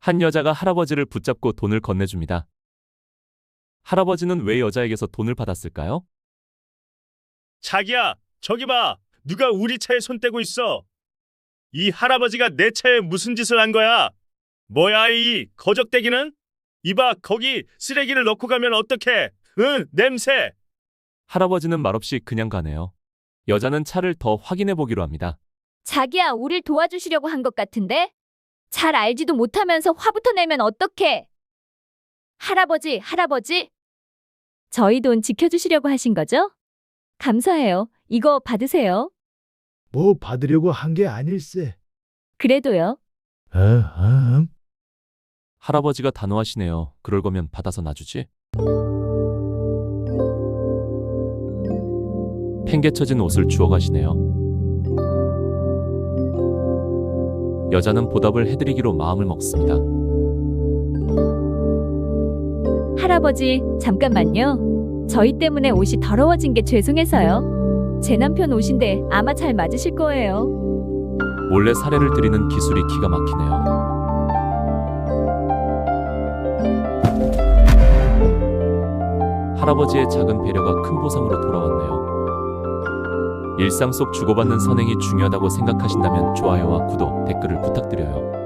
한 여자가 할아버지를 붙잡고 돈을 건네줍니다. 할아버지는 왜 여자에게서 돈을 받았을까요? 자기야, 저기 봐. 누가 우리 차에 손 떼고 있어. 이 할아버지가 내 차에 무슨 짓을 한 거야? 뭐야 이 거적대기는? 이봐, 거기 쓰레기를 넣고 가면 어떡해? 응, 냄새. 할아버지는 말없이 그냥 가네요. 여자는 차를 더 확인해 보기로 합니다. 자기야, 우릴 도와주시려고 한 것 같은데? 잘 알지도 못하면서 화부터 내면 어떡해? 할아버지. 저희 돈 지켜주시려고 하신 거죠? 감사해요. 이거 받으세요. 뭐 받으려고 한 게 아닐세. 그래도요. 할아버지가 단호하시네요. 그럴 거면 받아서 놔주지. 팽개쳐진 옷을 주워 가시네요. 여자는 보답을 해드리기로 마음을 먹습니다. 할아버지, 잠깐만요. 저희 때문에 옷이 더러워진 게 죄송해서요. 제 남편 옷인데 아마 잘 맞으실 거예요. 몰래 사례를 드리는 기술이 기가 막히네요. 할아버지의 작은 배려가 큰 보상으로 돌아왔네요. 일상 속 주고받는 선행이 중요하다고 생각하신다면 좋아요와 구독, 댓글을 부탁드려요.